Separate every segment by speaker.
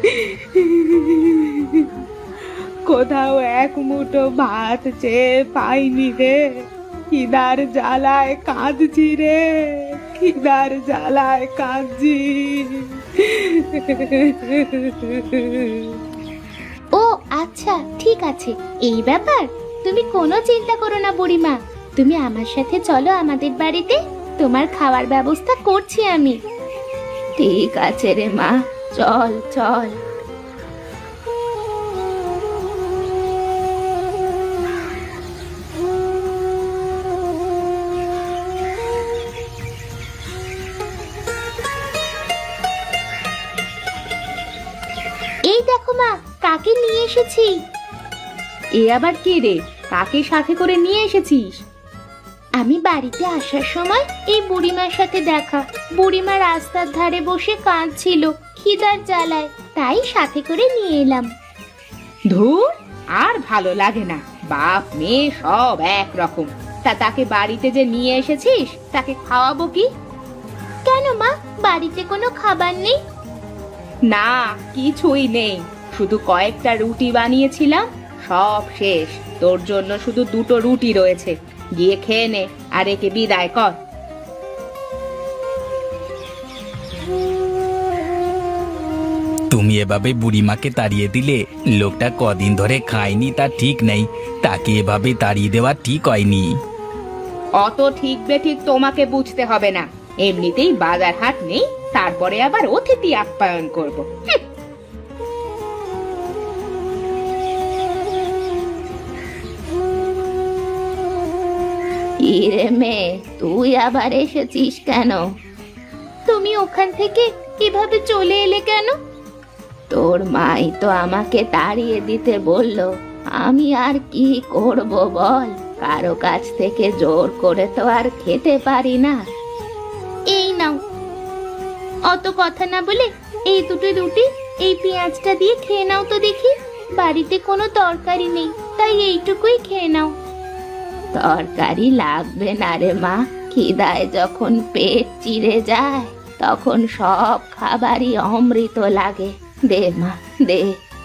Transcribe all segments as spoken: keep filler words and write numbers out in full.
Speaker 1: কোথাও এক মুঠো ভাত চেয়ে পাইনি রে। খিদার জ্বালায় কাঁদছি রে, খিদার জ্বালায় কাঁদছি।
Speaker 2: ও আচ্ছা, ঠিক আছে, এই ব্যাপার। তুমি কোনো চিন্তা করো না বুড়িমা, তুমি আমার সাথে চলো আমাদের বাড়িতে, তোমার খাওয়ার ব্যবস্থা করছি আমি। ঠিক আছে রে মা, চল চল। এই দেখো মা, কাকে নিয়ে এসেছি।
Speaker 1: এ আবার কে রে? কাকে সাথে করে নিয়ে এসেছিস?
Speaker 2: আমি বাড়িতে আসার সময় এই বুড়িমার সাথে দেখা। বুড়িমা রাস্তার ধারে বসে কাঁদছিল খিদার জ্বালায়, তাই সাথে করে নিয়ে এলাম।
Speaker 1: ধুর, আর ভালো লাগে না। বাপ মেয়ে সব এক রকম। তা তাকে বাড়িতে যে নিয়ে এসেছিস, তাকে খাওয়াবো কি?
Speaker 2: কেন মা, বাড়িতে কোনো খাবার নেই?
Speaker 1: না, কিছুই নেই। শুধু কয়েকটা রুটি বানিয়েছিলাম, সব শেষ। তোর জন্য শুধু দুটো রুটি রয়েছে, গিয়ে খেয়ে নে আর একে বিদায় কর।
Speaker 3: তুমি এভাবে বুড়িমাকে তাড়িয়ে দিলে, লোকটা কদিন ধরে খায়নি তা ঠিক নেই, তাকে এভাবে তাড়িয়ে দেওয়া ঠিক হয়নি।
Speaker 1: অত ঠিক বেঠিক তোমাকে বুঝতে হবে না। এমনিতেই বাজার হাট নেই, তারপরে আবার অতিথি আপ্যায়ন করব। হুঁ।
Speaker 2: ইরে মেয়ে, তুই আবার এসেছিস কেন? তুমি ওখান থেকে কিভাবে চলে এলে কেন? তোর মাই তো আমাকে তাড়িয়ে দিতে বলল, আমি আর কি করব বল, কারো কাছ থেকে জোর করে তো আর খেতে পারি না। এই নাও, অত কথা না বলে এই দুটো রুটি এই পেঁয়াজটা দিয়ে খেয়ে নাও তো দেখি। বাড়িতে কোনো তরকারি নেই, তাই এইটুকুই খেয়ে নাও। তরকারি লাগবে না রে মা, খিদায় যখন পেট চিড়ে যায় তখন সব খাবারই অমৃত লাগে। দে মা, দে।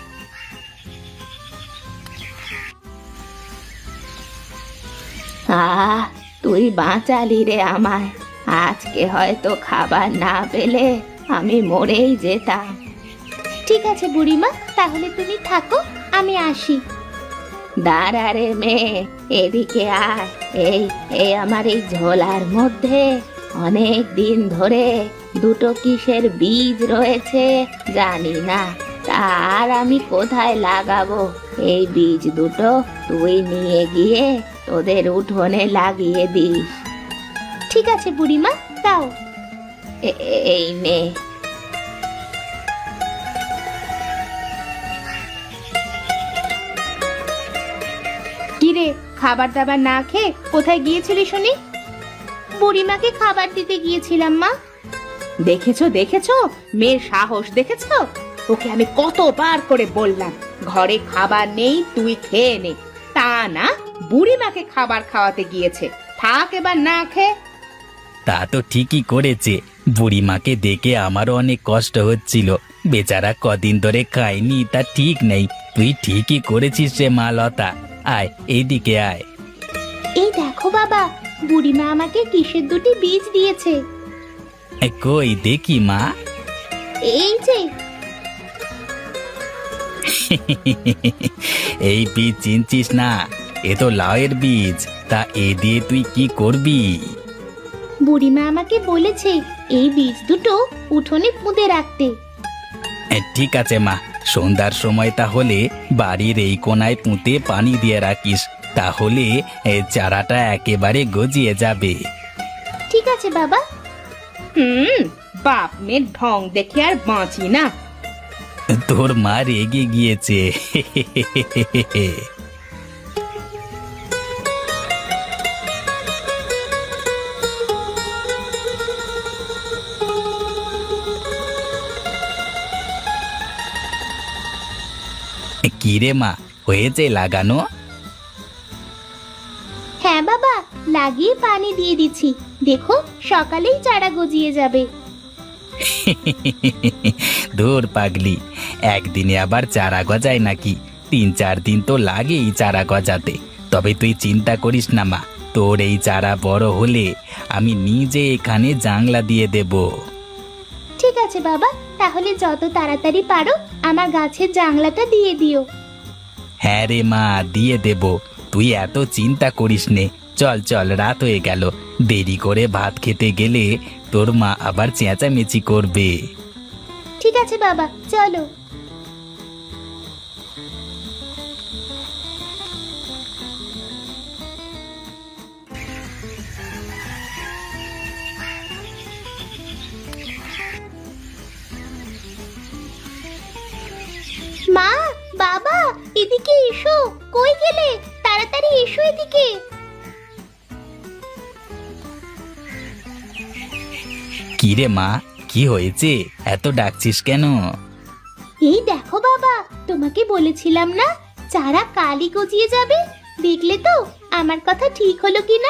Speaker 2: আহ, তুই বাঁচালি রে আমায়। আজকে হয়তো খাবার না পেলে আমি মরেই যেতাম। ঠিক আছে বুড়িমা, তাহলে তুমি থাকো, আমি আসি। দাঁড়া রে মেয়ে, এদিকে আয়। এই এই আমার এই ঝোলার মধ্যে অনেক দিন ধরে দুটো কিসের বীজ রয়েছে জানি না, তার আমি কোথায় লাগাবো। এই বীজ দুটো তুই নিয়ে গিয়ে তোদের উঠোনে লাগিয়ে দিস। ঠিক আছে বুড়িমা, দাও। এই নে।
Speaker 1: কিরে, খাবার দাবার না খেয়ে কোথায় গিয়েছিলি শুনি?
Speaker 2: বুড়িমাকে খাবার দিতে গিয়েছিলাম মা।
Speaker 1: দেখেছো দেখেছো, মেয়ের সাহস দেখেছো? ওকে আমি কতবার করে বললাম ঘরে খাবার নেই, তুই খেয়ে নে। তা না, বুড়িমাকে খাবার খাওয়াতে গিয়েছে। থাক এবার না খেয়ে।
Speaker 3: তা তো ঠিকই করেছে, বুড়িমাকে দেখে আমারও অনেক কষ্ট হচ্ছিল। বেচারা কদিন ধরে খায়নি তা ঠিক নেই। তুই ঠিকই করেছিস রে মা লতা। আয়, এইদিকে আয়।
Speaker 2: এই দেখো বাবা, বুড়িমা আমাকে কিসের দুটি বীজ দিয়েছে।
Speaker 3: এ, কই দেখি মা।
Speaker 2: এই যে।
Speaker 3: এই বীজ চিনছিস না? এ তো লাউয়ের বীজ। তা এ দিয়ে তুই কি করবি?
Speaker 2: বুড়িমা আমাকে বলেছে এই বীজ দুটো উঠোনে পুঁতে রাখতে।
Speaker 3: এ, ঠিক আছে মা, সন্ধ্যার সময় তাহলে বাড়ির এই কোনায় পুঁতে পানি দিয়ে রাখিস, তাহলে এ চারাটা একেবারে গজিয়ে যাবে।
Speaker 2: ঠিক আছে বাবা।
Speaker 1: হুম, বাপ মেয়ের ঢং দেখে আর বাঁচি না।
Speaker 3: তোর মা রেগে গিয়েছে। কিরে মা, হয়েছে লাগানো?
Speaker 2: হ্যাঁ বাবা, লাগিয়ে পানি দিয়ে দিচ্ছি। দেখো, সকালেই চারা গজিয়ে যাবে।
Speaker 3: ধুর পাগলি, একদিনে আবার চারা গজায় নাকি? তিন চার দিন তো লাগেই চারা গজাতে। তবে তুই চিন্তা করিস না মা, তোর এই চারা বড় হলে আমি নিজে এখানে জাংলা দিয়ে দেব।
Speaker 2: ঠিক আছে বাবা, তাহলে যত তাড়াতাড়ি পারো আমার গাছের জাংলাটা দিয়ে দিও।
Speaker 3: হ্যাঁ রে মা, দিয়ে দেব। তুই এত চিন্তা করিস নে। চল চল, রাত হয়ে গেল। দেরি করে ভাত খেতে গেলে তোর মা আবার চেঁচামেচি করবে।
Speaker 2: ঠিক আছে বাবা, চলো। মা, বাবা, এদিকে এসো। কই গেলে? তাড়াতাড়ি এসো এদিকে।
Speaker 3: কি রে মা, কি হয়েছে? এত ডাকছিস কেন?
Speaker 2: এই দেখো বাবা, তোমাকে বলেছিলাম না চারা কালই গজিয়ে যাবে। দেখলে তো আমার কথা ঠিক হলো কিনা?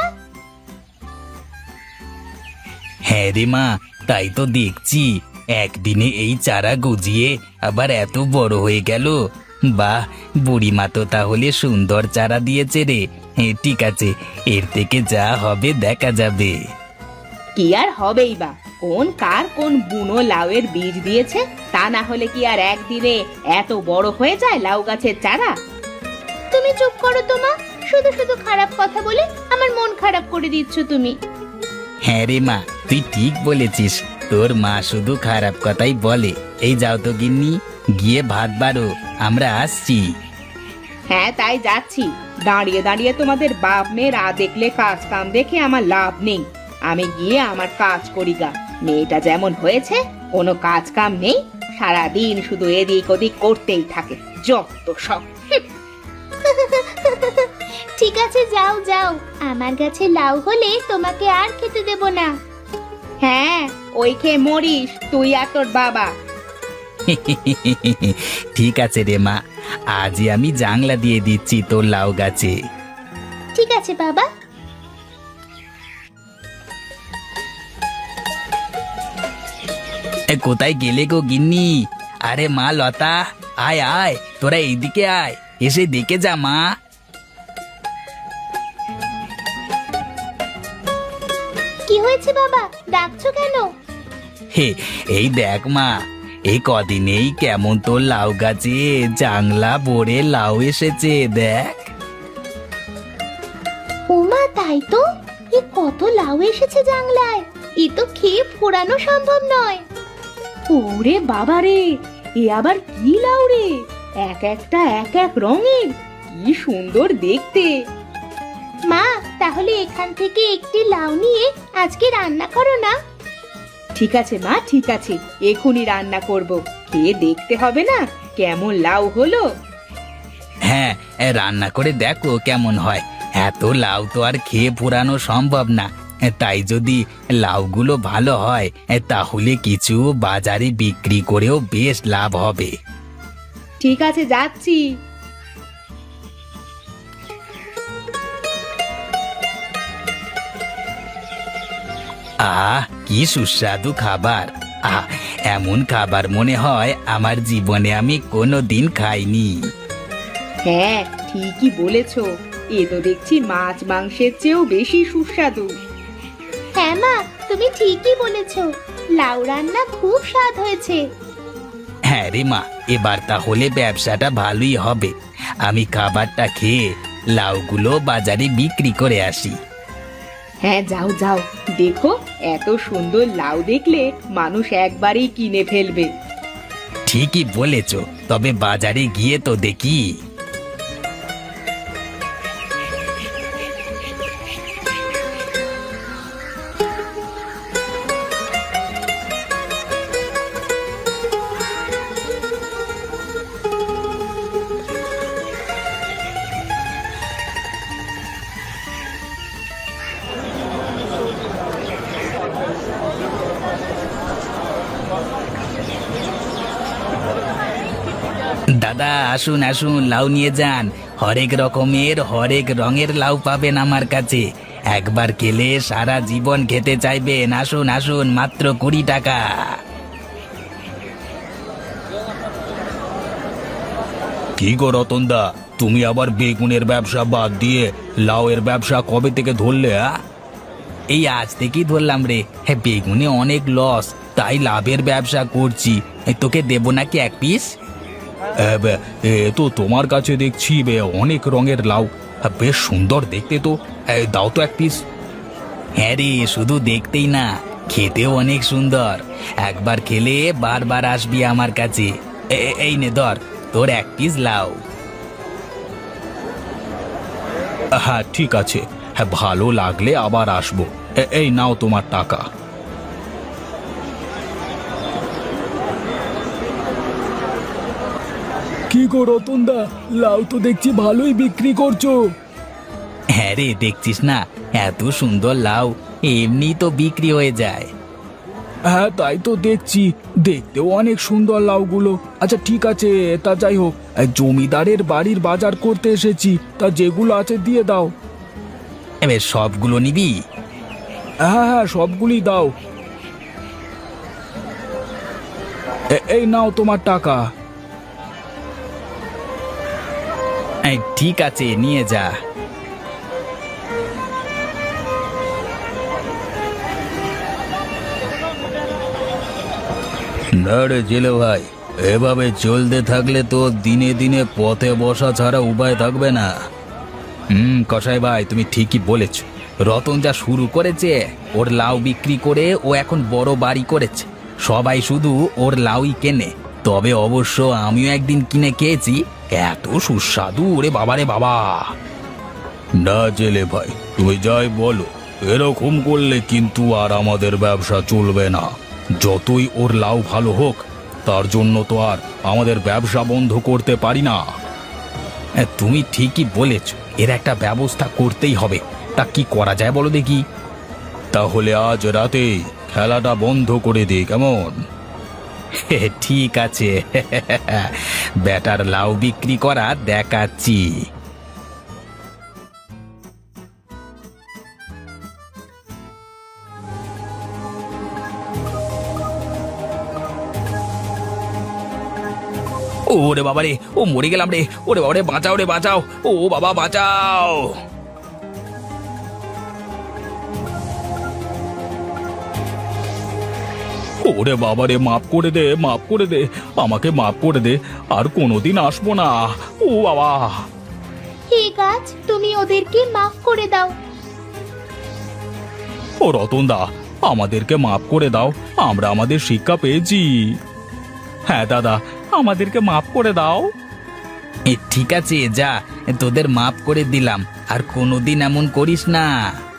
Speaker 3: হ্যাঁ রে মা, তাই তো দেখছি। একদিনে এই চারা গজিয়ে আবার এত বড় হয়ে গেল। বাহ, বুড়িমা তো তাহলে সুন্দর চারা দিয়েছে রে। হ্যাঁ, ঠিক আছে, এর থেকে যা হবে দেখা যাবে।
Speaker 1: কি আর হবেই বা, কোন কার কোন বুনো লাউয়ের বীজ দিয়েছে। তা না হলে কি আর একদিনে এত বড় হয়ে যায় লাউ গাছের চারা?
Speaker 2: তুমি চুপ করো তো মা, শুধু শুধু খারাপ কথা বলে আমার মন খারাপ করে দিচ্ছ তুমি।
Speaker 3: হ্যাঁ রে মা, তুই ঠিক বলেছিস। তোর মা শুধু খারাপ কথাই বলে। এই যাও তো গিন্নি, গিয়ে ভাত বাড়ো, আমরা আসছি।
Speaker 1: হ্যাঁ তাই যাচ্ছি। দাঁড়িয়ে দাঁড়িয়ে তোমাদের বাপ মেয়ের আ দেখলে কাজ কাম দেখে আমার লাভ নেই। আমি গিয়ে আমার কাজ করি গা। মেয়েটা যেমন হয়েছে, কোনো কাজ কাম নেই, সারাদিন শুধু এদিক ওদিক করতেই থাকে, যত সব।
Speaker 2: ঠিক আছে, যাও যাও, আমার গাছে লাউ হলে তোমাকে আর খেতে দেব না।
Speaker 1: হ্যাঁ, ওই খেয়ে মরিস তুই আর তোর বাবা।
Speaker 3: ঠিক আছে রে মা, আজই আমি জাংলা দিয়ে দিচ্ছি তোর লাউ গাছে।
Speaker 2: ঠিক আছে বাবা।
Speaker 3: এ, কোথায় গেলে গো গিন্নি? আরে মা লতা, আয় আয়, তোরা এইদিকে আয়, এসে দেখে যা মা।
Speaker 2: কি হয়েছে বাবা, ডাকছো কেন?
Speaker 3: হে, এই দেখ মা, এই কদিনেই কেমন তোর লাউ গাছে জাংলা ভরে লাউ এসেছে, দেখ।
Speaker 2: ওমা, তাই তো, এ কত লাউ এসেছে জাংলায়। এ তো খেয়ে ফোরানো সম্ভব নয়।
Speaker 1: ওরে বাবা রে, এ আবার কি লাউ রে? এক একটা এক এক রঙের, কি সুন্দর দেখতে।
Speaker 2: মা, তাহলে এখান থেকে একটি লাউ নিয়ে আজকে রান্না করো না।
Speaker 1: ঠিক আছে মা, ঠিক আছে, এখনই রান্না করব। খেয়ে দেখতে হবে না কেমন লাউ হলো?
Speaker 3: হ্যাঁ, এ, রান্না করে দেখো কেমন হয়। এত লাউ তো আর খেয়ে পুরানো সম্ভব না। এ, তাই যদি লাউগুলো ভালো হয়, এ, তাহলে কিছু বাজারে বিক্রি করেও বেশ লাভ হবে।
Speaker 1: ঠিক আছে, যাচ্ছি।
Speaker 3: আহ, কি সুস্বাদু খাবার! আহ, এমন খাবার মনে হয় আমার জীবনে আমি কোনো দিন খাইনি।
Speaker 1: হ্যাঁ, ঠিকই বলেছো। এ তো দেখছি মাছ মাংসের চেয়েও বেশি সুস্বাদু।
Speaker 2: হ্যাঁ মা, তুমি ঠিকই বলেছো, লাউ রান্না খুব স্বাদ হয়েছে।
Speaker 3: হ্যাঁ রে মা, এবার তাহলে ব্যবসাটা ভালোই হবে। আমি খাবারটা খেয়ে লাউগুলো বাজারে বিক্রি করে আসি।
Speaker 1: হ্যাঁ, যাও যাও, দেখো এত সুন্দর লাউ দেখলে মানুষ একবারেই কিনে ফেলবে।
Speaker 3: ঠিকই বলেছ, তবে বাজারে গিয়ে তো দেখি। দাদা, আসুন আসুন, লাউ নিয়ে যান। হরেক রকমের হরেক রঙের লাউ পাবেন আমার কাছে। একবার খেলে সারা জীবন খেতে চাইবেন। আসুন আসুন, মাত্র কুড়ি টাকা। কি গো রতনদা, তুমি আবার বেগুনের ব্যবসা বাদ দিয়ে লাউয়ের ব্যবসা কবে থেকে ধরলে? এই আজ থেকেই ধরলাম রে। হ্যাঁ, বেগুনে অনেক লস, তাই লাভের ব্যবসা করছি। এ, তোকে দেবো নাকি এক পিস? এ তো তোমার কাছে দেখছি বে অনেক রঙের লাউ, বেশ সুন্দর দেখতে তো। এ, দাও তো এক পিস। হ্যাঁ রে, শুধু দেখতেই না, খেতেও অনেক সুন্দর। একবার খেলে বারবার আসবি আমার কাছে। এ- এ- এই নে ধর, তোর এক পিস লাউ। হ্যাঁ ঠিক আছে, হ্যাঁ ভালো লাগলে আবার আসবো। এ- এই নাও তোমার টাকা।
Speaker 4: কি গো রতনদা, লাউ তো দেখছি ভালোই বিক্রি করছো।
Speaker 3: হ্যাঁ রে, দেখছিস না, এত সুন্দর লাউ এমনি তো বিক্রি হয়ে যায়।
Speaker 4: হ্যাঁ তাই তো দেখছি, দেখতেও অনেক সুন্দর লাউগুলো। আচ্ছা ঠিক আছে, তা যাই হোক, এই জমিদারের বাড়ির বাজার করতে এসেছি, তা যেগুলো আছে দিয়ে দাও।
Speaker 3: এবার সবগুলো নিবি?
Speaker 4: হ্যাঁ হ্যাঁ সবগুলি দাও। এ- এই নাও তোমার টাকা।
Speaker 3: এই, ঠিক আছে, নিয়ে যা। না রে জেলে ভাই, এভাবে চলতে থাকলে তো দিনে দিনে পথে বসা ছাড়া উপায় থাকবে না। হুম কসাই ভাই, তুমি ঠিকই বলেছ। রতন যা শুরু করেছে, ওর লাউ বিক্রি করে ও এখন বড় বাড়ি করেছে। সবাই শুধু ওর লাউই কেনে। তবে অবশ্য আমিও একদিন কিনে খেয়েছি, এত সুস্বাদু, ওরে বাবারে বাবা। না জেলে ভাই, তুমি যাই বলো, এরকম করলে কিন্তু আর আমাদের ব্যবসা চলবে না। যতই ওর লাউ ভালো হোক, তার জন্য তো আর আমাদের ব্যবসা বন্ধ করতে পারি না। তুমি ঠিকই বলেছ, এর একটা ব্যবস্থা করতেই হবে। তা কি করা যায় বলো দেখি? তাহলে আজ রাতে খেলাটা বন্ধ করে দিই, কেমন? ঠিক আছে, ব্যাটার লাউ বিক্রি করা দেখাচ্ছি। ওরে বাবারে, ও মরে গেলাম রে। ওরে বাবারে, বাঁচাও রে, বাঁচাও। ও বাবা, বাঁচাও। ওরে বাবারে, মাফ করে দে, মাফ করে দে, আমাকে মাফ করে দে, আর কোনোদিন আসবো না। ও বাবা।
Speaker 2: ঠিক আছে, তুমি ওদেরকে মাফ করে দাও।
Speaker 4: ও রতনদা, আমাদেরকে মাফ করে দাও, আমরা আমাদের শিক্ষা পেয়েছি। হ্যাঁ দাদা, আমাদেরকে মাফ করে দাও।
Speaker 3: এ, ঠিক আছে, যা, তোদের মাফ করে দিলাম, আর কোনোদিন এমন করিস না।